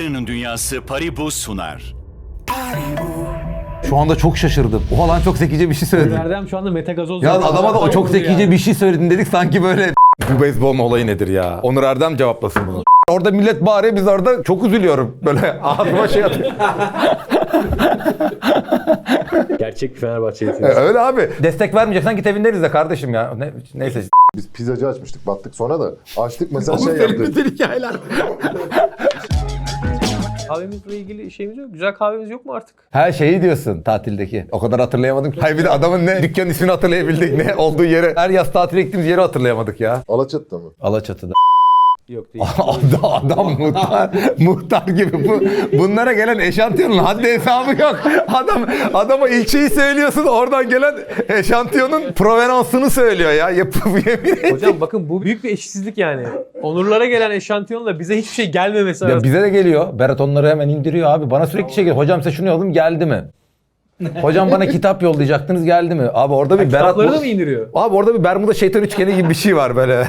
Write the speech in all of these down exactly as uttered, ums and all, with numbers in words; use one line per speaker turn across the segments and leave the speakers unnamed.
Makinenin Dünyası Paribu sunar.
Şu anda çok şaşırdım. Oha lan çok zekice bir şey söyledin.
Erdem şu anda metagazoz.
Ya adama da o çok zekice
yani.
bir şey söyledin dedik sanki böyle. Bu beyzbolun olayı nedir ya? Onur Erdem cevaplasın bunu. Orada millet bağırıyor, biz orada çok üzülüyorum. Böyle ağzıma şey atıyor.
Gerçek bir Fenerbahçe'lisiniz.
Öyle abi. Destek vermeyeceksen git evinden izle kardeşim ya. Ne, neyse.
Biz pizzacı açmıştık, battık sonra da. Açtık mesela
Oğlum
şey
senin
yaptık.
bütün hikayeler.
Kahvemizle ilgili şeyimiz yok. Güzel kahvemiz yok mu artık?
Her şeyi diyorsun tatildeki. O kadar hatırlayamadım. Hayır bir de adamın ne dükkan ismini hatırlayabildik, ne olduğu yeri. Her yaz tatile gittiğimiz yeri hatırlayamadık ya.
Alaçatı'da mı?
Alaçatı'da.
Yok değil.
Adam, adam muhtar, muhtar gibi. Bu, bunlara gelen eşantiyonun haddi hesabı yok. Adam adama ilçeyi söylüyorsun, oradan gelen eşantiyonun provenansını söylüyor ya. Yapıp yemin et.
Hocam bakın bu büyük bir eşitsizlik yani. Onurlara gelen eşantiyonla bize hiçbir şey gelmemesi
Ya
arasında.
bize de geliyor. Berat onları hemen indiriyor abi. Bana sürekli şey geliyor. Hocam size şunu yolladım, geldi mi? Hocam bana kitap yollayacaktınız, geldi mi? Abi orada bir Berat...
Kitapları da mı indiriyor?
Abi orada bir Bermuda şeytan üçgeni gibi bir şey var böyle.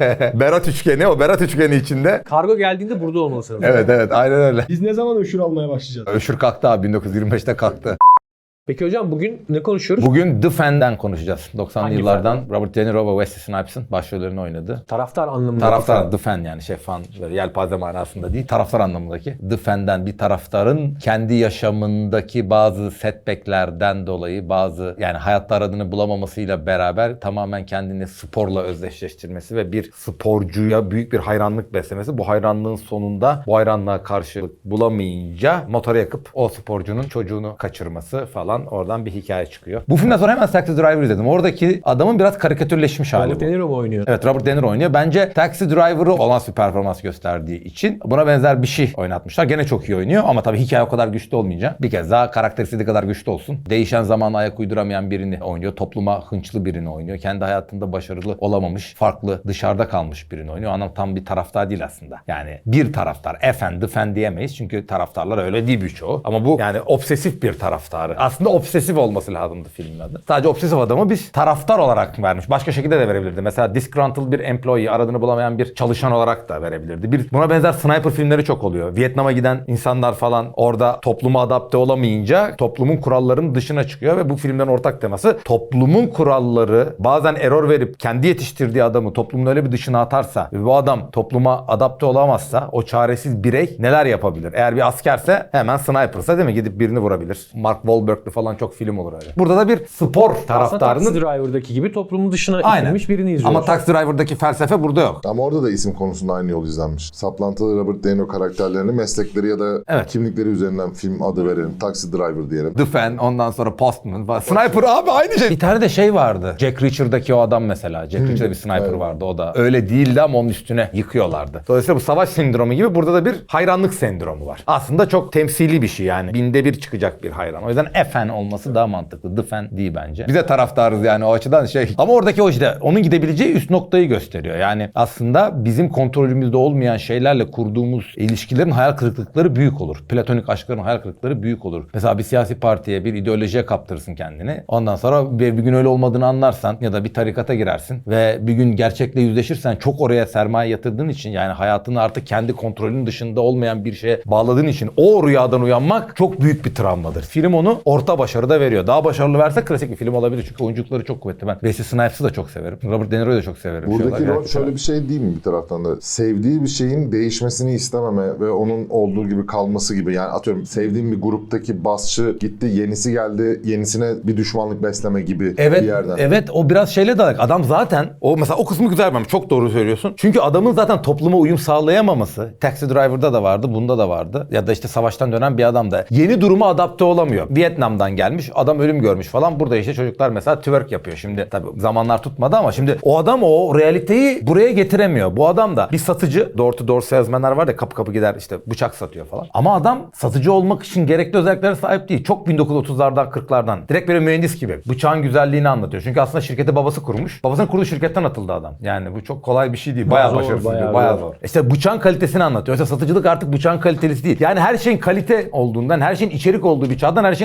Berat üçgeni, o Berat üçgeni içinde.
Kargo geldiğinde burada olmalısınız.
Evet evet aynen öyle.
Biz ne zaman öşür almaya başlayacağız?
Öşür kalktı abi, bin dokuz yüz yirmi beşte kalktı.
Peki hocam bugün ne konuşuyoruz?
Bugün The Fan'den konuşacağız. doksanlı
Hangi
yıllardan Robert De Niro ve Wesley Snipes'ın başrollerini oynadı.
Taraftar anlamında.
Taraftar, The Fan yani şey fan, böyle yelpaze manasında değil, taraftar anlamındaki. The Fan'den bir taraftarın kendi yaşamındaki bazı setback'lerden dolayı, bazı yani hayatta aradığını bulamamasıyla beraber tamamen kendini sporla özdeşleştirmesi ve bir sporcuya büyük bir hayranlık beslemesi. Bu hayranlığın sonunda bu hayranlığa karşılık bulamayınca motoru yakıp o sporcunun çocuğunu kaçırması falan, oradan bir hikaye çıkıyor. Bu filmden sonra hemen Taxi Driver izledim. Oradaki adamın biraz karikatürleşmiş hali
Robert
bu.
De Niro mu oynuyor?
Evet, Robert De Niro oynuyor. Bence Taxi Driver'ı olağanüstü bir performans gösterdiği için buna benzer bir şey oynatmışlar. Gene çok iyi oynuyor ama tabii hikaye o kadar güçlü olmayınca bir kez daha karakter istediği kadar güçlü olsun. Değişen zamana ayak uyduramayan birini oynuyor. Topluma hınçlı birini oynuyor. Kendi hayatında başarılı olamamış, farklı, dışarıda kalmış birini oynuyor. Anam tam bir taraftar değil aslında. Yani bir taraftar. Efendi, fen diyemeyiz. Çünkü taraftarlar öyle değil birçoğu. Ama bu yani obsesif bir taraftarı. Aslında obsesif olması lazımdı filmin adı. Sadece obsesif adamı biz taraftar olarak vermiş. Başka şekilde de verebilirdi. Mesela disgruntled bir employee, aradığını bulamayan bir çalışan olarak da verebilirdi. Bir, buna benzer sniper filmleri çok oluyor. Vietnam'a giden insanlar falan orada topluma adapte olamayınca toplumun kurallarının dışına çıkıyor ve bu filmden ortak teması toplumun kuralları bazen error verip kendi yetiştirdiği adamı toplumun öyle bir dışına atarsa ve bu adam topluma adapte olamazsa o çaresiz birey neler yapabilir? Eğer bir askerse hemen sniper'sa değil mi? Gidip birini vurabilir. Mark Wahlberg'li falan çok film olur öyle. Burada da bir spor
Aslında
taraftarının...
Taxi Driver'daki gibi toplumun dışına
Aynen.
itilmiş birini izliyoruz.
Ama Taxi Driver'daki felsefe burada yok.
Ama orada da isim konusunda aynı yol izlenmiş. Saplantılı Robert De Niro karakterlerini meslekleri ya da
Evet.
kimlikleri üzerinden film adı verelim. Taxi Driver diyelim.
The Fan, ondan sonra Postman falan. Sniper abi aynı şey. Bir tane de şey vardı. Jack Reacher'daki o adam mesela. Jack Reacher'da bir sniper
evet.
vardı. O da öyle değildi ama onun üstüne yıkıyorlardı. Dolayısıyla bu savaş sendromu gibi burada da bir hayranlık sendromu var. Aslında çok temsili bir şey yani. Binde bir çıkacak bir hayran. O yüzden F-Fan olması daha mantıklı. The Fan değil bence. Bize taraftarız yani o açıdan şey. Ama oradaki o işte onun gidebileceği üst noktayı gösteriyor. Yani aslında bizim kontrolümüzde olmayan şeylerle kurduğumuz ilişkilerin hayal kırıklıkları büyük olur. Platonik aşkların hayal kırıklıkları büyük olur. Mesela bir siyasi partiye, bir ideolojiye kaptırırsın kendini. Ondan sonra bir, bir gün öyle olmadığını anlarsan ya da bir tarikata girersin ve bir gün gerçekle yüzleşirsen çok oraya sermaye yatırdığın için yani hayatını artık kendi kontrolünün dışında olmayan bir şeye bağladığın için o rüyadan uyanmak çok büyük bir travmadır. Film onu orta başarıda veriyor. Daha başarılı verse klasik bir film olabilir çünkü oyunculukları çok kuvvetli. Ben Wesley Snipes'ı da çok severim. Robert De Niro'yu da çok severim.
Buradaki
Şöyle,
rol şöyle bir şey değil mi bir taraftan da? Sevdiği bir şeyin değişmesini istememe ve onun olduğu gibi kalması gibi. Yani atıyorum sevdiğim bir gruptaki basçı gitti, yenisi geldi, yenisine bir düşmanlık besleme gibi
Evet,
bir yerden.
evet o biraz şeyle de alakalı. Adam zaten o mesela o kısmı güzel bence. Çok doğru söylüyorsun. Çünkü adamın zaten topluma uyum sağlayamaması Taxi Driver'da da vardı, bunda da vardı. Ya da işte savaştan dönen bir adam da yeni duruma adapte olamıyor. Vietnam'dan gelmiş, adam ölüm görmüş falan. Burada işte çocuklar mesela twerk yapıyor. Şimdi tabii zamanlar tutmadı ama şimdi o adam o realiteyi buraya getiremiyor. Bu adam da bir satıcı, door to door salesmanlar var ya kapı kapı gider işte bıçak satıyor falan. Ama adam satıcı olmak için gerekli özelliklere sahip değil. Çok bin dokuz yüz otuzlardan kırklardan. Direkt böyle mühendis gibi. Bıçağın güzelliğini anlatıyor. Çünkü aslında şirketi babası kurmuş. Babasının kurduğu şirketten atıldı adam. Yani bu çok kolay bir şey değil. Bayağı
Zor,
başarısız.
bayağı
Bayağı, bayağı
zor.
zor. İşte bıçağın kalitesini anlatıyor. Mesela satıcılık artık bıçağın kalitesi değil. Yani her şeyin kalite olduğundan, her şeyin içerik olduğu bir çağdan her şeyin ambalaj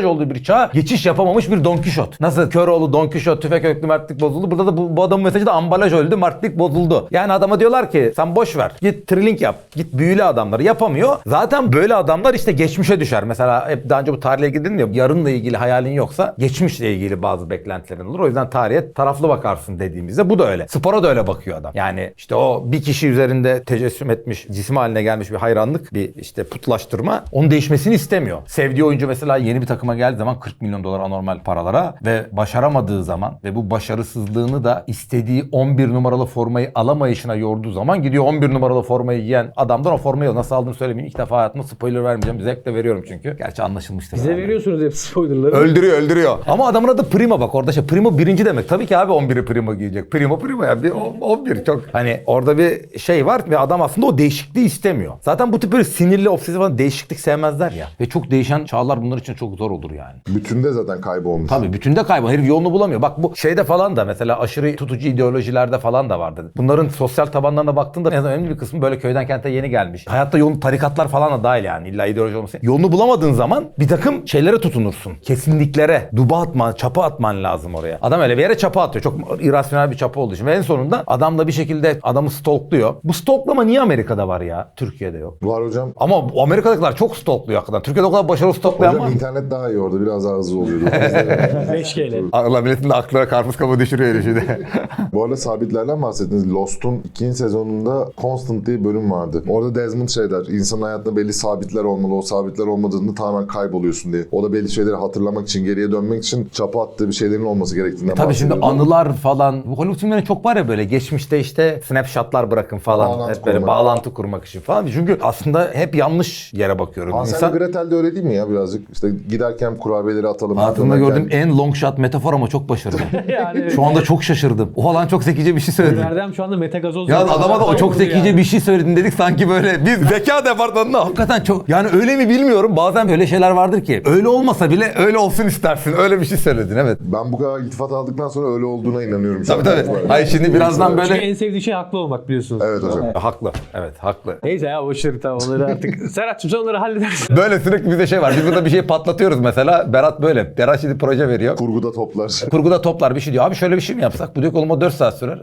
olduğu bir çağa geçiş yapamamış bir Don Kişot. Nasıl Köroğlu, Don Kişot, tüfek öklü mertlik bozuldu. Burada da bu, bu adamın mesajı da ambalaj öldü, mertlik bozuldu. Yani adama diyorlar ki sen boş ver. Git trilling yap. Git büyülü adamları yapamıyor. Zaten böyle adamlar işte geçmişe düşer. Mesela hep daha önce bu tarihle ilgili dedim ya, yarınla ilgili hayalin yoksa geçmişle ilgili bazı beklentilerin olur. O yüzden tarihe taraflı bakarsın dediğimizde bu da öyle. Spora da öyle bakıyor adam. Yani işte o bir kişi üzerinde tecessüm etmiş, cisim haline gelmiş bir hayranlık, bir işte putlaştırma. Onun değişmesini istemiyor. Sevdiği oyuncu mesela yeni bir takıma geldiği zaman kırk milyon dolar anormal paralara ve başaramadığı zaman ve bu başarısızlığını da istediği on bir numaralı formayı alamayışına yorduğu zaman gidiyor on bir numaralı formayı giyen adamdan o formayı nasıl aldığını söylemeyeyim. İlk defa hayatımda spoiler vermeyeceğim. Zevkle veriyorum çünkü. Gerçi anlaşılmıştır.
Bize
yani.
veriyorsunuz hep spoilerları.
Öldürüyor öldürüyor. Ama adamın adı Primo bak orada şey. Primo birinci demek. Tabii ki abi on biri Primo giyecek. Primo Primo ya. Bir on bir çok. Hani orada bir şey var ve adam aslında o değişikliği istemiyor. Zaten bu tip böyle sinirli, obsesif falan değişiklik sevmezler ya. Ve çok değişen çağlar bunlar için çok zor olur yani.
Bütünde zaten kaybolmuş.
Tabii bütünde kaybol. Herif yolunu bulamıyor. Bak bu şeyde falan da mesela aşırı tutucu ideolojilerde falan da vardı. Bunların sosyal tabanlarına baktığında en önemli bir kısmı böyle köyden kente yeni gelmiş. Hayatta yolun tarikatlar falan da dahil yani. İlla ideoloji olmasın. Yolunu bulamadığın zaman bir takım şeylere tutunursun. Kesinliklere. Duba atman, çapa atman lazım oraya. Adam öyle bir yere çapa atıyor. Çok irrasyonel bir çapa olduğu için. Ve en sonunda adam da bir şekilde adamı stalkluyor. Bu stalklama niye Amerika'da var ya? Türkiye'de yok.
Var hocam.
Ama Amerika'dakiler çok stalkluyor hakikaten. Türkiye'de o kadar başarılı stalklayan var
Hocam
mı?
internet daha iyi orada. Biraz daha hızlı oluyordu.
beş K ile.
Allah milletin de aklına karpuz kabuğu düşürüyor şimdi.
Bu arada sabitlerden bahsettiniz. Lost'un ikinci sezonunda Constant diye bölüm vardı. Orada Desmond şey der. İnsanın hayatında belli sabitler olmalı. O sabitler olmadığında tamamen kayboluyorsun diye. O da belli şeyleri hatırlamak için, geriye dönmek için çapa attığı bir şeylerin olması gerektiğinden
Tabii şimdi
bahsediyordu.
anılar falan. Bu Hollywood filmlerinde çok var ya böyle geçmişte işte snapshotlar bırakın falan.
Bağlantı
hep böyle
kurmak.
bağlantı kurmak için falan. Çünkü aslında hep yanlış yere bakıyoruz.
Hansel
İnsan
ve Gretel de öyle değil mi ya birazcık? İşte giderken kurabiyeleri atalım.
hayatımda
dönerken-
gördüğüm en long shot metafor ama çok başarılı.
Yani
Şu anda çok şaşırdım. O lan çok zekice bir şey söyledi.
Erdem şu anda metagazoz.
Ya adama da o çok zekice
yani.
bir şey söyledin dedik sanki böyle biz zeka departmanında hakikaten çok yani öyle mi bilmiyorum bazen böyle şeyler vardır ki öyle olmasa bile öyle olsun istersin öyle bir şey söyledin evet.
Ben bu kadar iltifat aldıktan sonra öyle olduğuna inanıyorum.
Tabii tabii. Hayır şimdi birazdan
Çünkü
böyle
en sevdiği şey haklı olmak biliyorsunuz.
Evet hocam.
haklı evet haklı.
Neyse ya boşver tamam onları artık. Serhat'cığım sen onları halledersin.
Böyle sürekli bize şey var. Biz burada bir şey patlatıyoruz mesela. Berat böyle. Berat şimdi proje veriyor.
Kurguda toplar.
Kurguda toplar bir şey diyor. Abi şöyle bir şey mi yapsak? Bu diyor ki oğlum o dört saat sürer.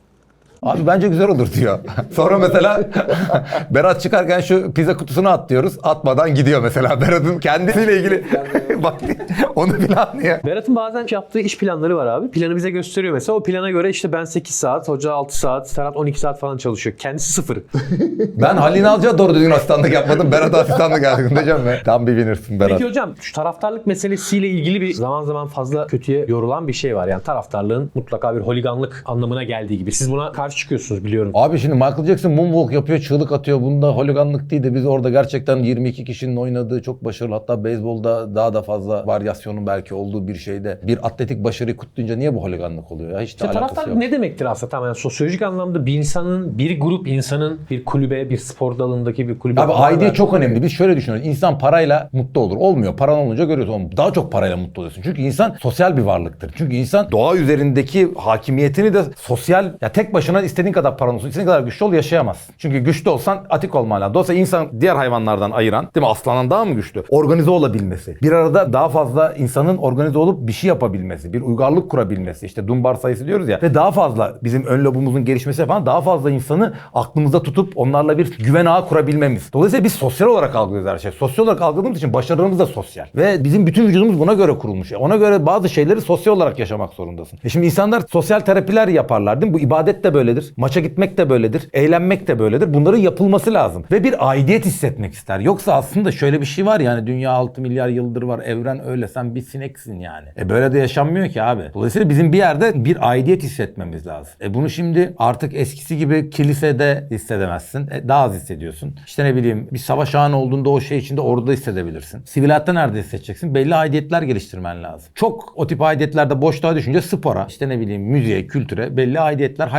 Abi bence güzel olur diyor. Sonra mesela Berat çıkarken şu pizza kutusunu at diyoruz. Atmadan gidiyor mesela. Berat'ın kendisiyle ilgili bak onu bile anlıyor.
Berat'ın bazen yaptığı iş planları var abi. Planı bize gösteriyor mesela. O plana göre işte ben sekiz saat, hoca altı saat, Serhat on iki saat falan çalışıyor. Kendisi sıfır.
Ben Halil İnalcı'ya doğru düzgün asistanlık yapmadım. Berat asistanlık yaptım diyeceğim be. Tam bir winner'sın Berat.
Peki hocam şu taraftarlık meselesiyle ilgili bir zaman zaman fazla kötüye yorulan bir şey var. Yani taraftarlığın mutlaka bir holiganlık anlamına geldiği gibi. Siz buna karşı çıkıyorsunuz biliyorum.
Abi şimdi Michael Jackson moonwalk yapıyor, çığlık atıyor. Bunda holiganlık değil de biz orada gerçekten yirmi iki kişinin oynadığı çok başarılı. Hatta beyzbolda daha da fazla varyasyonun belki olduğu bir şeyde bir atletik başarıyı kutlayınca niye bu holiganlık oluyor ya? Hiç de
İşte
alakası
taraftarlık
yok.
ne demektir aslında tamamen sosyolojik anlamda bir insanın, bir grup insanın bir kulübe, bir spor dalındaki bir kulübe.
Abi aidiyet çok önemli. Biz şöyle düşünüyoruz. İnsan parayla mutlu olur. Olmuyor. Paran olunca görüyorsun. Oğlum daha çok parayla mutlu oluyorsun. Çünkü insan sosyal bir varlıktır. Çünkü insan doğa üzerindeki hakimiyetini de sosyal ya tek başına istediğin kadar paran olsun, istediğin kadar güçlü ol yaşayamazsın. Çünkü güçlü olsan atik olman lazım. Dolayısıyla insan diğer hayvanlardan ayıran, değil mi? Aslandan daha mı güçlü? Organize olabilmesi. Bir arada daha fazla insanın organize olup bir şey yapabilmesi, bir uygarlık kurabilmesi. İşte Dunbar sayısı diyoruz ya. Ve daha fazla bizim ön lobumuzun gelişmesi falan daha fazla insanı aklımızda tutup onlarla bir güven ağı kurabilmemiz. Dolayısıyla biz sosyal olarak algılıyoruz her şey. Sosyal olarak algıladığımız için başarılarımız da sosyal. Ve bizim bütün vücudumuz buna göre kurulmuş. Ona göre bazı şeyleri sosyal olarak yaşamak zorundasın. E şimdi insanlar sosyal terapiler yaparlar değil mi? Bu ibadet de böyledir. Maça gitmek de böyledir. Eğlenmek de böyledir. Bunların yapılması lazım. Ve bir aidiyet hissetmek ister. Yoksa aslında şöyle bir şey var yani dünya altı milyar yıldır var. Evren öyle. Sen bir sineksin yani. E böyle de yaşanmıyor ki abi. Dolayısıyla bizim bir yerde bir aidiyet hissetmemiz lazım. E bunu şimdi artık eskisi gibi kilisede hissedemezsin. E daha az hissediyorsun. İşte ne bileyim bir savaş anı olduğunda o şey içinde orada hissedebilirsin. Sivil hayatta nerede hissedeceksin? Belli aidiyetler geliştirmen lazım. Çok o tip aidiyetlerde boşluğa düşünce spora, işte ne bileyim müziğe, kültüre belli aidiyetler, hayranlıklar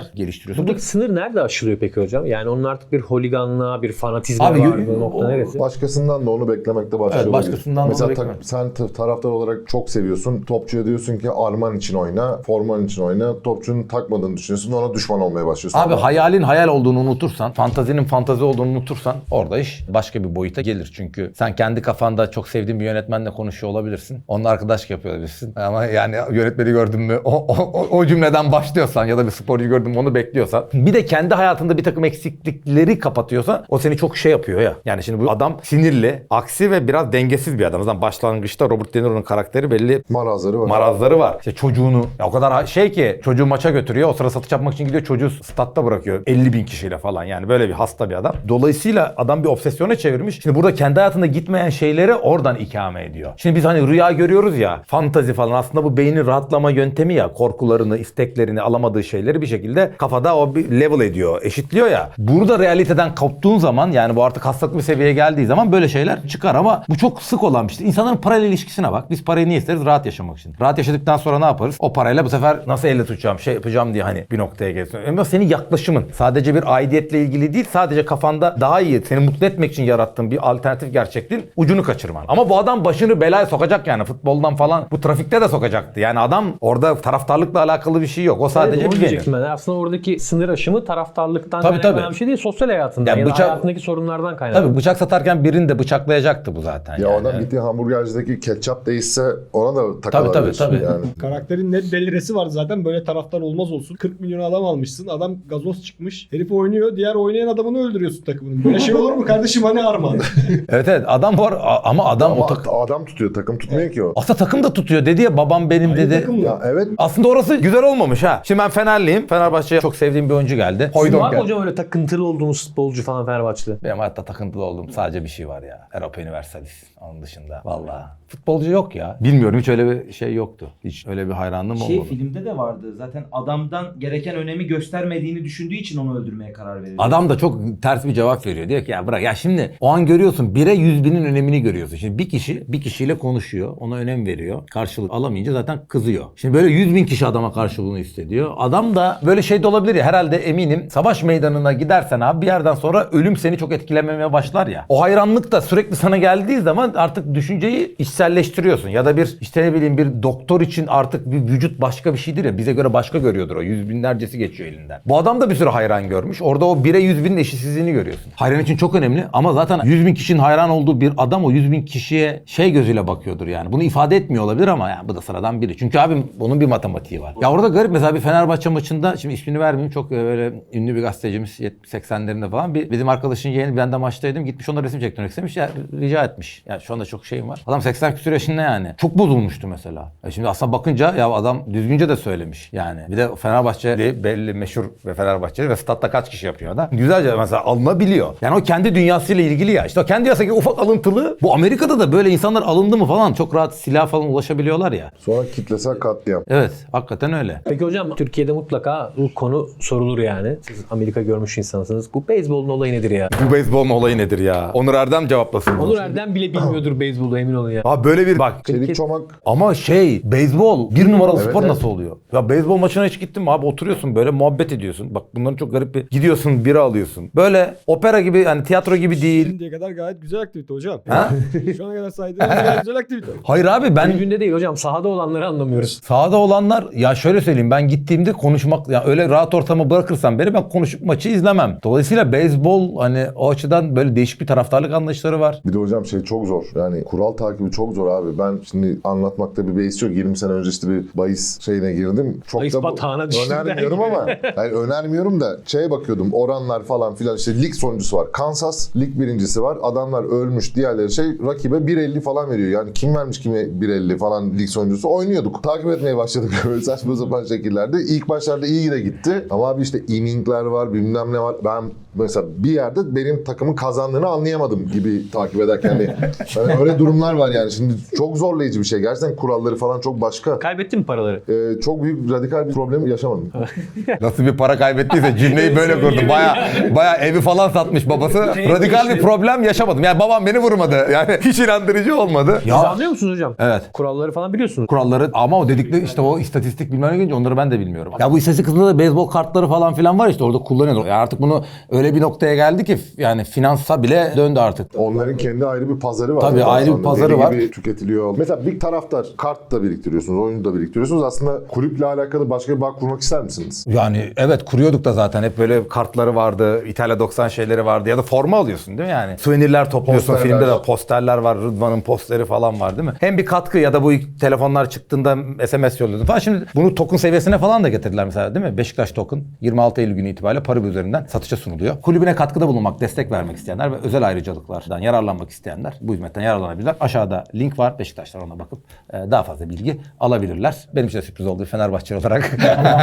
oyunlar geliştiriyorsun.
Buradaki sınır nerede aşılıyor peki hocam? Yani onun artık bir holiganlığa, bir fanatizme
Abi,
var.
y-
Bu nokta
o-
neresi?
Başkasından da onu beklemekte başlıyor.
Evet, başkasından da
Mesela
onu
ta-
beklemek.
sen t- taraftar olarak çok seviyorsun. Topçuya diyorsun ki arman için oyna, forman için oyna. Topçunun takmadığını düşünüyorsun. Ona düşman olmaya başlıyorsun.
Abi
Ama
hayalin hayal olduğunu unutursan, fantazinin fantazi olduğunu unutursan orada iş başka bir boyuta gelir. Çünkü sen kendi kafanda çok sevdiğin bir yönetmenle konuşuyor olabilirsin. Onunla arkadaşlık yapıyor olabilirsin. Ama yani yönetmeni gördün mü o, o, o, o cümleden başlıyorsan ya da bir sporcu gördün mü onu bekliyorsan. Bir de kendi hayatında bir takım eksiklikleri kapatıyorsan o seni çok şey yapıyor ya. Yani şimdi bu adam sinirli, aksi ve biraz dengesiz bir adam. O zaman başlangıçta Robert De Niro'nun karakteri belli
marazları var.
marazları var. İşte çocuğunu ya o kadar şey ki çocuğu maça götürüyor. O sıra satış yapmak için gidiyor çocuğu statta bırakıyor. elli bin kişiyle falan yani böyle bir hasta bir adam. Dolayısıyla adam bir obsesyona çevirmiş. Şimdi burada kendi hayatında gitmeyen şeyleri oradan ikame ediyor. Şimdi biz hani rüya görüyoruz ya fantazi falan aslında bu beynin rahatlama yöntemi ya korkularını, isteklerini alamadığı şeyleri bir şekilde kafada o bir level ediyor, eşitliyor ya. Burada realiteden koptuğun zaman yani bu artık hastalıklı bir seviyeye geldiği zaman böyle şeyler çıkar ama bu çok sık olan bir şey. İnsanların parayla ilişkisine bak. Biz parayı niye isteriz? Rahat yaşamak için. Rahat yaşadıktan sonra ne yaparız? O parayla bu sefer nasıl elle tutacağım, şey yapacağım diye hani bir noktaya gelsin. Ama senin yaklaşımın sadece bir aidiyetle ilgili değil, sadece kafanda daha iyi, seni mutlu etmek için yarattığın bir alternatif gerçekliğin ucunu kaçırman. Ama bu adam başını belaya sokacak yani futboldan falan. Bu trafikte de sokacaktı. Yani adam orada taraftarlıkla alakalı bir şey yok. O sadece
Evet, onu
bir
diyecektim ben. Aslında oradaki sınır aşımı taraftarlıktan
Tabii,
kaynaklanan
tabii.
bir şey değil. Sosyal hayatından
Ya
ya, da
bıçak-
hayatındaki sorunlardan kaynaklı.
Tabii bıçak satarken birini de bıçaklayacaktı bu zaten.
Ya
yani.
adam gittiği hamburgercideki ketçap değişse ona da
Tabii, tabii,
takılabilirsin
tabii.
yani.
Karakterin net deliresi var zaten, böyle taraftar olmaz olsun. kırk milyon adam almışsın, adam gazoz çıkmış. Herif oynuyor, diğer oynayan adamını öldürüyorsun takımının. Böyle şey olur mu kardeşim, hani armağan?
Evet evet adam var a- ama adam
Ama
o tak-
adam tutuyor, takım tutmuyor ki o.
aslında takım da tutuyor dedi ya babam benim
Aynı
dedi.
takım mı?
Ya evet.
Aslında orası güzel olmamış ha. Şimdi ben Fenerliyim. Fenerbahçe'ye çok sevdiğim bir oyuncu geldi. Hoydon
Var mı
geldi.
hocam öyle takıntılı olduğunuz futbolcu falan Fenerbahçe'de?
Benim hayatta takıntılı olduğum sadece bir şey var ya. Europa Universalis. Onun dışında. Vallahi. Futbolcu yok ya. Bilmiyorum hiç öyle bir şey yoktu. Hiç öyle bir hayranlığım
Şey
olmadı.
filmde de vardı. Zaten adamdan gereken önemi göstermediğini düşündüğü için onu öldürmeye karar veriyor.
Adam da çok ters bir cevap veriyor. Diyor ki ya bırak ya şimdi o an görüyorsun bire yüz binin önemini görüyorsun. Şimdi bir kişi bir kişiyle konuşuyor. Ona önem veriyor. Karşılık alamayınca zaten kızıyor. Şimdi böyle yüz bin kişi adama karşılığını hissediyor. Adam da böyle şey de olabilir ya herhalde eminim savaş meydanına gidersen abi bir yerden sonra ölüm seni çok etkilememeye başlar ya. O hayranlık da sürekli sana geldiği zaman artık düşünceyi içselleştiriyorsun. Ya da bir işte ne bileyim bir doktor için artık bir vücut başka bir şeydir ya. Bize göre başka görüyordur o. Yüz binlercesi geçiyor elinden. Bu adam da bir sürü hayran görmüş. Orada o bire yüz binin eşitsizliğini görüyorsun. Hayran için çok önemli ama zaten yüz bin kişinin hayran olduğu bir adam o yüz bin kişiye şey gözüyle bakıyordur yani. Bunu ifade etmiyor olabilir ama yani bu da sıradan biri. Çünkü abim bunun bir matematiği var. Ya orada garip mesela bir Fenerbahçe maçında şimdi ismini vermeyeyim çok böyle ünlü bir gazetecimiz yetmiş seksenlerinde falan bir bizim arkadaşın yeğeni ben de maçtaydım gitmiş ona resim çektirmek istemiş ya rica etmiş. Yani şu anda çok şeyim var. Adam seksen küsur yaşında yani. Çok bozulmuştu mesela. E şimdi aslında bakınca ya adam düzgünce de söylemiş yani. Bir de Fenerbahçe de belli meşhur ve Fenerbahçeli ve statta kaç kişi yapıyor da. Güzelce mesela alınabiliyor. Yani o kendi dünyasıyla ilgili ya. İşte o kendi dünyasındaki ufak alıntılı. Bu Amerika'da da böyle insanlar alındı mı falan çok rahat silah falan ulaşabiliyorlar ya.
Sonra kitlesel katliam.
Evet hakikaten öyle.
Peki hocam Türkiye'de mutlaka bu konu sorulur yani. Siz Amerika görmüş insansınız. Bu beyzbolun olayı nedir ya?
Bu beyzbolun olayı nedir ya? Onur Erdem cevaplasın. bunu.
Onur Erdem bile bilmiyordur beyzbolu emin olun ya.
Abi böyle bir bak.
Çelik çomak.
Ama şey beyzbol bir numaralı
Evet,
spor
evet.
nasıl oluyor? Ya beyzbol maçına hiç gittin mi abi oturuyorsun böyle muhabbet ediyorsun. Bak bunların çok garip bir gidiyorsun bira alıyorsun. Böyle opera gibi yani tiyatro gibi değil.
Şimdiye kadar gayet güzel aktivite hocam.
Ha?
Şu ana kadar saydığınız gayet güzel aktivite.
Hayır abi ben
Günde değil hocam sahada olanları anlamıyoruz.
sahada olanlar ya şöyle söyleyeyim ben gittiğimde konuşmak ya öyle rahat ortama bırakırsan beni ben konuşup maçı izlemem. Dolayısıyla beyzbol hani o açıdan böyle değişik bir taraftarlık anlayışları var.
Bir de hocam şey çok zor. Yani kural takibi çok zor abi. Ben şimdi anlatmakta bir beis yok. yirmi sene önce işte bir bahis şeyine girdim. Çok
Bahis
da bu-
batağına düştüm
önermiyorum
belki.
ama yani önermiyorum da şeye bakıyordum. Oranlar falan filan işte lig sonuncusu var. Kansas lig birincisi var. Adamlar ölmüş. Diğerleri şey rakibe bir elli falan veriyor. Yani kim vermiş kime bir elli falan lig sonuncusu oynuyorduk. Takip etmeye başladık böyle saçma sapan şekillerde. İlk başlarda iyi de gitti. Ama abi işte inningler var bilmem ne var. Ben mesela bir yerde benim takımın kazandığını anlayamadım gibi takip ederken. Yani, yani öyle durumlar var yani. Şimdi çok zorlayıcı bir şey. Gerçekten kuralları falan çok başka.
Kaybettin mi paraları?
Ee, çok büyük radikal bir problem yaşamadım.
Nasıl bir para kaybettiyse cümleyi böyle kurdu. Baya baya evi falan satmış babası. Radikal bir problem yaşamadım. Yani babam beni vurmadı. Yani hiç inandırıcı olmadı.
Siz anlıyor musunuz hocam?
Evet.
Kuralları falan biliyorsunuz.
Kuralları ama o dedikleri işte o istatistik bilmem ne gelince onları ben de bilmiyorum. Ya bu istatistik kısmında Amerika'da da beyzbol kartları falan filan var işte orada kullanıyorlar. Yani artık bunu öyle bir noktaya geldi ki yani finansa bile döndü artık.
Onların kendi ayrı bir pazarı var.
Tabii,
zaten
ayrı bir
aslında.
pazarı
Deli
var.
gibi tüketiliyor. Mesela bir taraftar kart da biriktiriyorsunuz, oyunu da biriktiriyorsunuz. Aslında kulüple alakalı başka bir bağ kurmak ister misiniz?
Yani evet kuruyorduk da zaten hep böyle kartları vardı. İtalya doksan şeyleri vardı ya da forma alıyorsun değil mi yani? Suvenirler topluyorsun.
Posterler.
Filmde de posterler var. Rıdvan'ın posteri falan var değil mi? Hem bir katkı ya da bu ilk telefonlar çıktığında S M S yolluyordun falan. Şimdi bunu token seviyesine falan da getirdiler mesela değil mi? Beşiktaş token yirmi altı Eylül günü itibariyle Paribu üzerinden satışa sunuluyor. Kulübüne katkıda bulunmak, destek vermek isteyenler ve özel ayrıcalıklardan yararlanmak isteyenler bu hizmetten yararlanabilirler. Aşağıda link var. Beşiktaşlar ona bakıp e, daha fazla bilgi alabilirler. Benim için de sürpriz oldu Fenerbahçeli olarak.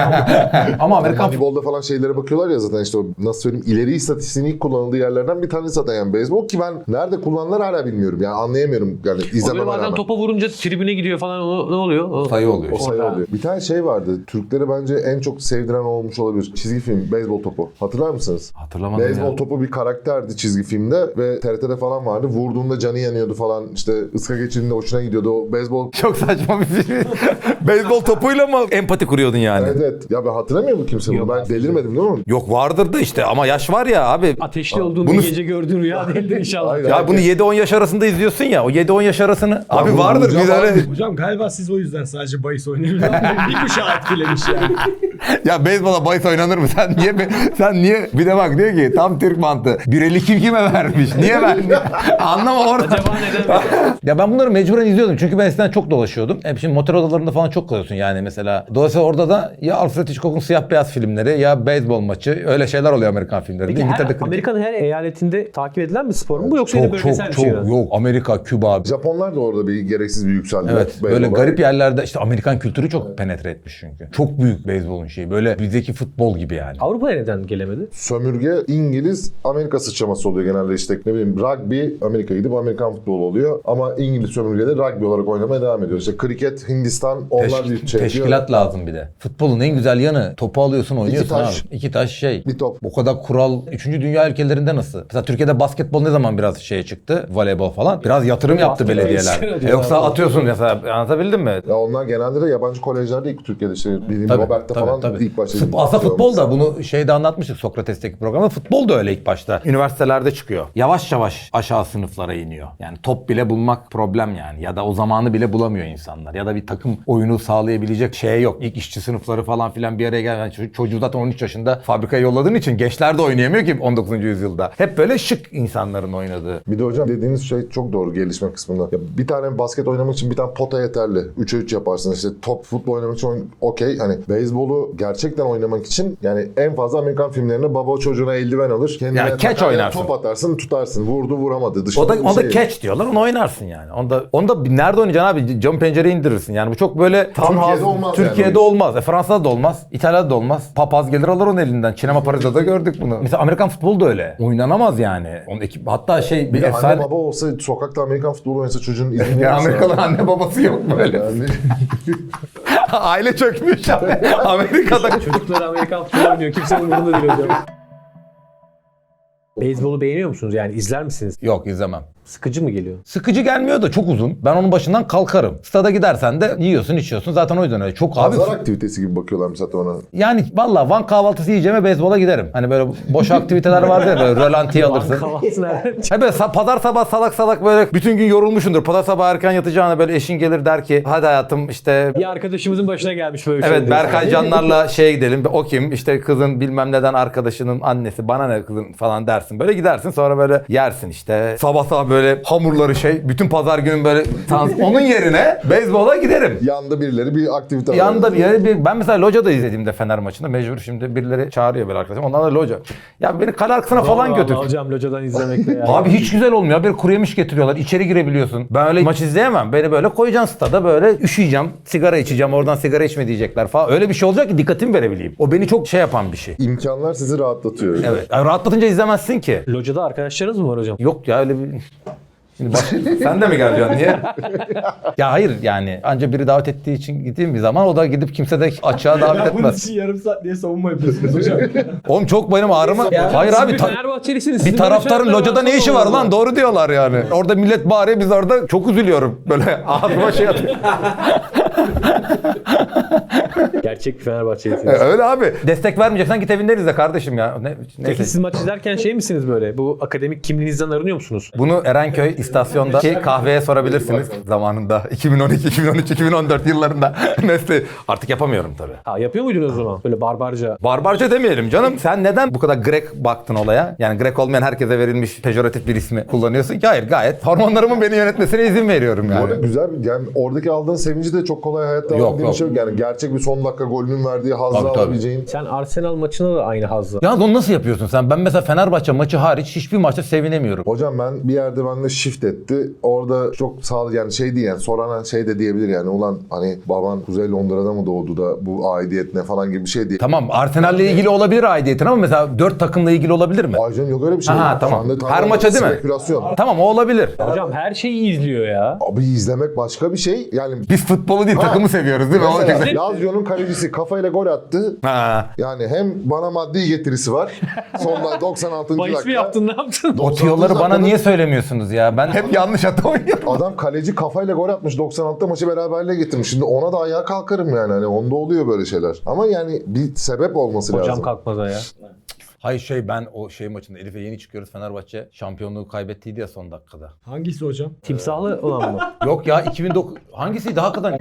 Ama Amerikan
Moneyball'da falan şeylere bakıyorlar ya zaten işte o nasıl söyleyeyim ileri istatistiğinin ilk kullanıldığı yerlerden bir tanesi zaten yani beyzbol ki ben nerede kullanılar hala bilmiyorum. Yani anlayamıyorum yani
O böyle
izlememe
bazen
rağmen.
topa vurunca tribüne gidiyor falan o, ne oluyor? O,
sayı oluyor.
O
işte.
sayı oluyor. Bir tane şey vardı. Türklere bence en çok sevdiren olmuş olabilir. Çizgi film, beyzbol topu. Hatırlar mısınız?
Hatırlamadım
Beyzbol
ya.
topu bir karakterdi çizgi filmde ve T R T'de falan vardı. Vurduğunda canı yanıyordu falan. İşte ıska geçirdiğinde hoşuna gidiyordu. O beyzbol...
Çok saçma bir film. Beyzbol topuyla mı empati kuruyordun yani?
Evet evet. Ya ben hatırlamıyor mu kimse bunu? Ben delirmedim değil mi?
Yok vardır da işte ama yaş var ya abi.
Ateşli olduğun
Bunu-
bir gece gördüğün rüya değildir inşallah.
Aynen.
Ya bunu yedi on yaş arasında izliyorsun ya. O yedi on yaş arasını. Abi vardır biz öyle.
Hocam galiba siz o yüzden sadece bahis oynayabiliyorsunuz. Bir kuşağı etkilemiş yani.
Ya beyzbola bahis oynanır mı? Sen niye sen niye bir de bak diyor ki tam Türk mantığı. Bir eli kim kime vermiş? Niye vermiş? Anlama orada.
Acaba neden?
Ya ben bunları mecburen izliyordum. Çünkü ben eskiden çok dolaşıyordum. Hep şimdi motor odalarında falan çok kalıyorsun yani mesela. Dolayısıyla orada da ya Alfred Hitchcock'un siyah beyaz filmleri ya beyzbol maçı öyle şeyler oluyor Amerikan filmlerinde.
Peki her,
İngiltere'de kriket.
Amerika'nın her eyaletinde takip edilen bir spor mu bu yoksa yine
çok
bölgesel
çok
bir şey
çok
mi?
yok. Amerika, Küba.
Japonlar da orada bir gereksiz bir yükseldiler.
Evet böyle
beyzbola.
garip yerlerde işte Amerikan kültürü çok penetre etmiş çünkü. Çok büyük beyzbolun şeyi. Böyle bizdeki futbol gibi yani.
Avrupa'ya neden gelemedi?
Sömürge İngiliz Amerika sıçraması oluyor genelde işte ne bileyim rugby Amerika gidip Amerikan futbolu oluyor ama İngiliz sömürgede rugby olarak oynamaya devam ediyor. İşte kriket Hindistan onlar
Teş-
bir şey
teşkilat
yapıyor.
lazım bir de. Futbolun en güzel yanı topu alıyorsun oynuyorsun
taş.
abi. İki taş şey.
Bir top.
Bu kadar kural üçüncü dünya ülkelerinde nasıl? Mesela Türkiye'de basketbol ne zaman biraz şeye çıktı? Voleybol falan. Biraz yatırım yaptı
Basketbol
belediyeler.
istiyor
E yoksa
diyorlar.
atıyorsun mesela anlatabildim mi?
Ya onlar genelde de yabancı kolejlerde ilk Türkiye'de işte bildiğim
Tabii,
Robert'te
tabii,
falan
tabii.
ilk başta.
Fut- Aslında futbol da bunu şeyde anlatmıştık Sokrates'teki programda. Futbol da öyle ilk başta. Üniversitelerde çıkıyor. Yavaş yavaş aşağı sınıflara iniyor. Yani top bile bulmak problem yani. Ya da o zamanı bile bulamıyor insanlar. Ya da bir takım oyunu sağlayabilecek şey yok. İlk işçi sınıfları falan filan bir araya gelen yani çocuk- çocuğu zaten on üç yaşında fabrikaya yolladığın için gençler de oynayamıyor ki on dokuzuncu yüzyılda. Hep böyle şık insanların oynadığı.
Bir de hocam dediğiniz şey çok doğru gelişme kısmında. Ya bir tane basket oynamak için bir tane pota yeterli. üçe üç yaparsın. İşte top futbol oynamak için oyun- okey. Hani beyzbolu gerçekten oynamak için yani en fazla Amerikan filmlerinde baba çocuğuna eldiven alır. Kendine
Yani catch
takar,
oynarsın.
Top atarsın tutarsın. Vurdu vuramadı. Dışında
O da,
bir
o da
şey.
catch diyorlar. Onu oynarsın yani. Onda onda bir- nerede oynayacaksın abi? Cam pencereyi indirirsin. Yani bu çok böyle
Türkiye'de olmaz
Türkiye'de
yani.
olmaz. E, Fransa'da da olmaz. İtalya'da da olmaz. Papaz gelir alır onun elinden. Sinema Paris'te de gördük bunu. Mesela Amerikan futbolu da öyle. Oynanamaz yani. Onun ekip hatta şey bir,
Bir de
efsane
anne baba olsa sokakta Amerikan futbolu oynasa çocuğun izin
ya
verirse-
Amerikalı anne babası yok böyle.
Yani
Aile çökmüş abi. Amerika'da.
Çocuklar Amerikan futbolu oynuyor. Kimsenin umurunda değil hocam. Beyzbolu beğeniyor musunuz? Yani izler misiniz?
Yok izlemem.
Sıkıcı mı geliyor?
Sıkıcı gelmiyor da çok uzun. Ben onun başından kalkarım. Stada gidersen de yiyorsun içiyorsun. Zaten o yüzden öyle. Çok abi.
pazar aktivitesi gibi bakıyorlar zaten ona.
Yani valla Van kahvaltısı yiyeceğime beyzbola giderim. Hani böyle boş aktiviteler var ya böyle rölantiye alırsın.
Kahvaltı nereden?
Ha böyle sa- pazar sabah salak salak böyle bütün gün yorulmuşsundur. Pazar sabah erken yatacağına böyle eşin gelir der ki hadi hayatım işte
Bir arkadaşımızın başına gelmiş böyle bir şey.
evet Berkay Canlar'la şeye gidelim. O kim? İşte kızın bilmem neden arkadaşının annesi. Bana ne kızın falan dersin. Böyle gidersin sonra böyle yersin işte. Sabah sabah böyle hamurları şey. Bütün pazar günün böyle tans- onun yerine beyzbola giderim.
Yanda birileri bir aktivite var.
Yanında bir yere bir ben mesela locada izlediğimde Fener maçında mecbur şimdi birileri çağırıyor böyle arkadaşım. Onlar da loca. Ya beni kale arkasına falan götür.
Hocam locadan izlemekte ya.
Abi hiç güzel olmuyor. Bir kuru yemiş getiriyorlar. İçeri girebiliyorsun. Ben öyle maç izleyemem. Beni böyle koyacaksın stada böyle üşüyeceğim. Sigara içeceğim. Oradan sigara içme diyecekler falan. Öyle bir şey olacak ki dikkatimi verebileyim. O beni çok şey yapan bir şey.
İmkanlar sizi rahatlatıyor.
Evet. Yani rahatlatınca izlemezsin ki.
Locada arkadaşlarınız mı var hocam?
Yok ya öyle bir... Şimdi bak, sen de mi geleceksin niye? Ya hayır yani anca biri davet ettiği için gideyim bir zaman o da gidip kimse de açığa davet
Ya bunun
etmez.
için yarım saat diye savunma yapıyorsunuz hocam.
Oğlum çok benim ağrıma... Hayır abi ta-
Fenerbahçelisiniz.
bir taraftarın locada ne işi var lan? Doğru diyorlar yani. Orada millet bağırıyor biz orada çok üzülüyorum. Böyle ağzıma şey atıyor.
Gerçek bir Fenerbahçe'lisiniz.
E, Öyle abi. Destek vermeyeceksen git evinden izle kardeşim ya. Ne,
Peki
neyse.
siz maç izlerken şey misiniz böyle? Bu akademik kimliğinizden arınıyor musunuz?
Bunu Erenköy istasyondaki kahveye sorabilirsiniz zamanında. iki bin on iki, iki bin on üç, iki bin on dört yıllarında. Nesli artık yapamıyorum tabii.
Ha, yapıyor muydunuz o zaman? Böyle barbarca.
Barbarca demeyelim canım. Sen neden bu kadar Grek baktın olaya? Yani Grek olmayan herkese verilmiş pejoratif bir ismi kullanıyorsun ki? Hayır, gayet hormonlarımın beni yönetmesine izin veriyorum
Bu arada
yani.
güzel bir- yani oradaki aldığın sevinci de çok kolay hayatta
Yok,
alabildiğin
yok.
bir şey yok. Yani gerçek bir son dakika golünün verdiği hazzı
Tabii, tabii.
alabileceğin.
Sen Arsenal maçına da aynı hazzı.
Yalnız onu nasıl yapıyorsun sen? Ben mesela Fenerbahçe maçı hariç hiçbir maçta sevinemiyorum.
Hocam ben bir yerde bende shift etti. Orada çok sağlık yani şey değil yani soran şey de diyebilir yani ulan hani baban Kuzey Londra'da mı doğdu da bu aidiyet ne falan gibi bir şey değil.
Tamam, Arsenal'le ilgili olabilir aidiyetin ama mesela dört takımla ilgili olabilir mi?
Ay canım yok öyle bir şey.
Aha,
Şu
tamam.
anda
Her
tamamen
maça değil mi?
Spekülasyon.
Tamam, o olabilir.
Hocam her şeyi izliyor ya.
Abi izlemek başka bir şey. Yani
Biz futbolu değil takımı seviyoruz değil mi? O
mesela
güzel.
Lazio'nun kalecisi kafayla gol attı.
Ha.
Yani hem bana maddi getirisi var. Sonda doksan altıncı
Bahis mi
dakika.
yaptın, ne yaptın?
O tiyoları bana
dakikada-
niye söylemiyorsunuz ya? Ben hep yanlış hata oynuyorum.
Adam kaleci kafayla gol atmış. doksan altıda maçı beraberliğe getirmiş. Şimdi ona da ayağa kalkarım yani. Hani onda oluyor böyle şeyler. Ama yani bir sebep olması
Hocam
lazım.
kalkmaz ya.
Hayır şey ben o şey maçında Elif'e yeni çıkıyoruz, Fenerbahçe şampiyonluğu kaybettiydi ya son dakikada.
Hangisi hocam?
Timsahlı olan mı?
Yok ya iki bin dokuz hangisiydi hakikaten?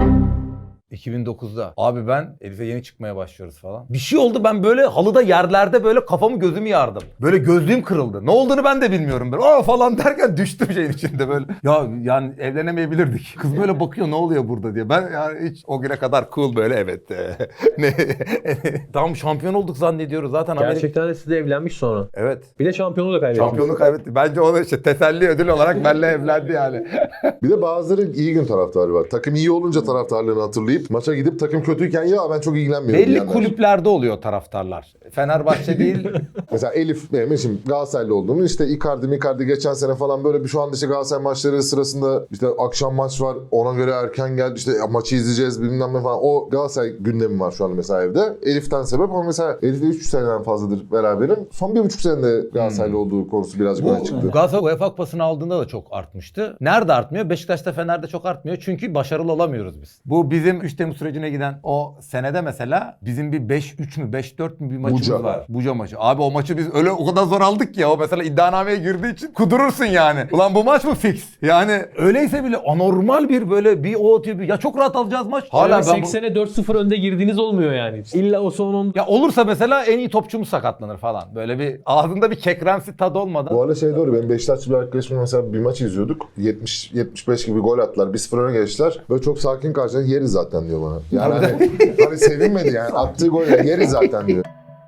iki bin dokuzda. Abi ben Elif'e yeni çıkmaya başlıyoruz falan. Bir şey oldu, ben böyle halıda yerlerde böyle kafamı gözümü yardım. Böyle gözlüğüm kırıldı. Ne olduğunu ben de bilmiyorum. Böyle aa falan derken düştüm şeyin içinde böyle. Ya yani evlenemeyebilirdik. Kız böyle bakıyor ne oluyor burada diye. Ben yani hiç o güne kadar cool böyle evet. e, ne tam şampiyon olduk zannediyoruz zaten. Amerika-
Gerçekten de siz de evlenmiş sonra.
Evet.
Bir de şampiyonluğu da kaybettiniz.
Şampiyonluğu kaybetti. Bence onu işte teselli ödül olarak benimle evlendi yani.
Bir de bazıları iyi gün taraftarı var. Takım iyi olunca taraftarlığını hatırlayıp maça gidip takım kötüyken ya ben çok ilgilenmiyorum
Belli
diyenler.
kulüplerde oluyor taraftarlar. Fenerbahçe değil.
Mesela Elif benim şimdi Galatasaraylı olduğumu işte Icardi Icardi geçen sene falan böyle bir şu anda işte Galatasaray maçları sırasında işte akşam maç var ona göre erken geldi işte maçı izleyeceğiz bilmem ne falan. O Galatasaray gündemi var şu anda mesela evde. Elif'ten sebep ama mesela Elif'le üç seneden fazladır beraberim. Son bir buçuk senede Galatasaraylı
Hmm.
olduğu konusu birazcık öne çıktı.
Galatasaray UEFA Kupası'nı aldığında da çok artmıştı. Nerede artmıyor? Beşiktaş'ta, Fener'de çok artmıyor. Çünkü başarılı olamıyoruz biz. Bu bizim üç Temmuz sürecine giden o senede mesela bizim bir beş üç mü beş dört mü bir maçımız
Buca.
var. Buca maçı. Abi o maçı biz öyle o kadar zor aldık ki ya. O mesela iddianameye girdiği için kudurursun yani. Ulan bu maç mı fix? Yani öyleyse bile anormal bir böyle bir o atıyor. Bir, ya çok rahat alacağız maç. Hala ben bu...
seksene dört sıfır önde girdiğiniz olmuyor yani. İlla o son on...
Ya olursa mesela en iyi topçumuz sakatlanır falan. Böyle bir ağzında bir kekremsi tadı olmadan.
Bu arada şey doğru benim Beşiktaşlı bir arkadaşımla mesela bir maç izliyorduk. yetmiş yetmiş beş gibi gol attılar. bir sıfır öne geçtiler. Böyle çok sakin karşıladı. Yeriz zaten diyor bana. Yani hani, hani sevinmedi yani. Attığı gol yeriz zaten diyor.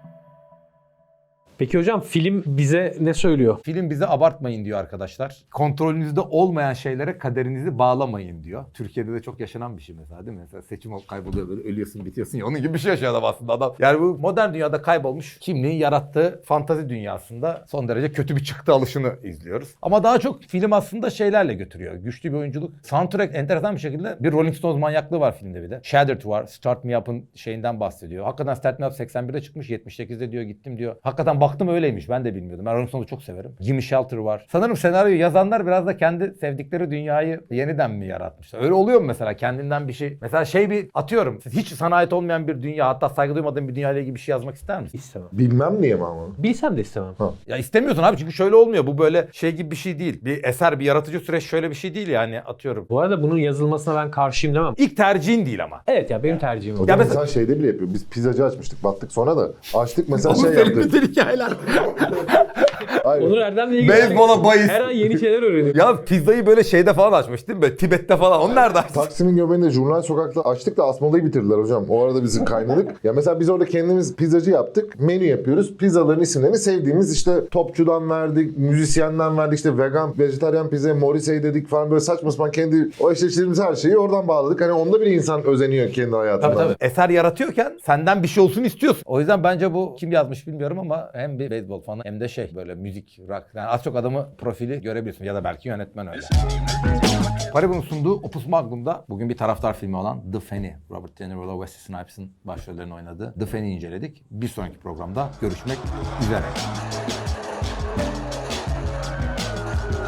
Peki hocam film bize ne söylüyor?
Film bize abartmayın diyor arkadaşlar. Kontrolünüzde olmayan şeylere kaderinizi bağlamayın diyor. Türkiye'de de çok yaşanan bir şey mesela değil mi? Mesela seçim ol- kayboluyor böyle ölüyorsun bitiyorsun ya onun gibi bir şey yaşıyor adam aslında adam. Yani bu modern dünyada kaybolmuş kimliğin yarattığı fantazi dünyasında son derece kötü bir çıktı alışını izliyoruz. Ama daha çok film aslında şeylerle götürüyor. Güçlü bir oyunculuk. Soundtrack enteresan bir şekilde bir Rolling Stones manyaklığı var filmde bir de. Shattered var. Start Me Up'ın şeyinden bahsediyor. Hakikaten Start Me Up seksen birde çıkmış. yetmiş sekizde diyor gittim diyor. Hakikaten baktım öyleymiş. Ben de bilmiyordum. Ben Rolling Stones'u çok severim. Jimmy Shelter var. Sanırım senaryoyu yazanlar biraz da kendi sevdikleri dünyayı yeniden mi yaratmışlar? Öyle oluyor mu mesela? Kendinden bir şey. Mesela şey bir atıyorum. Hiç sana ait olmayan bir dünya, hatta saygı duymadığın bir dünyayla ilgili bir şey yazmak ister misin?
İstemem.
Bilmem niye mi ama?
Bilsem de istemem.
Ya istemiyorsun abi çünkü şöyle olmuyor. Bu böyle şey gibi bir şey değil. Bir eser, bir yaratıcı süreç şöyle bir şey değil yani atıyorum.
Bu arada bunun yazılmasına ben karşıyım demem.
İlk tercihin değil ama.
Evet ya benim tercihim o.
Hocam
Ya
mesela şeyde bile yapıyor. Biz pizzacı açmıştık. Battık sonra da. Açtık mesela şey yaptık.
hikayeler.
Aynen.
Onur Erdem'le ilgili
Beyzbola bahis.
her an yeni şeyler öğreniyorum.
Ya pizzayı böyle şeyde falan açmış değil mi? Böyle Tibet'te falan. Onu nerede açtın?
Taksim'in göbeğinde Jurnal Sokak'ta açtık da Asmalı'yı bitirdiler hocam. O arada bizi kaynadık. Ya mesela biz orada kendimiz pizzacı yaptık. Menü yapıyoruz. Pizzaların isimlerini sevdiğimiz işte topçudan verdik, müzisyenden verdik, işte vegan, vejetaryen pizza, Morrissey dedik falan böyle saçma sapan kendi o eşleştirdiğimiz her şeyi oradan bağladık. Hani onda bir insan özeniyor kendi hayatından.
Tabii tabii. Eser yaratıyorken senden bir şey olsun istiyorsun. O yüzden bence bu kim yazmış bilmiyorum ama hem bir beyzbol fanı hem de şey böyle müzik, rock. Yani az çok adamı profili görebiliyorsun ya da belki yönetmen öyle. Paribu'nun sunduğu Opus Magnum'da bugün bir taraftar filmi olan The Fanny, Robert De Niro'la Wesley Snipes'ın başrollerini oynadığı The Fanny'yi inceledik. Bir sonraki programda görüşmek üzere.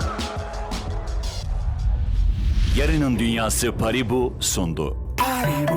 Yarının Dünyası Paribu sundu.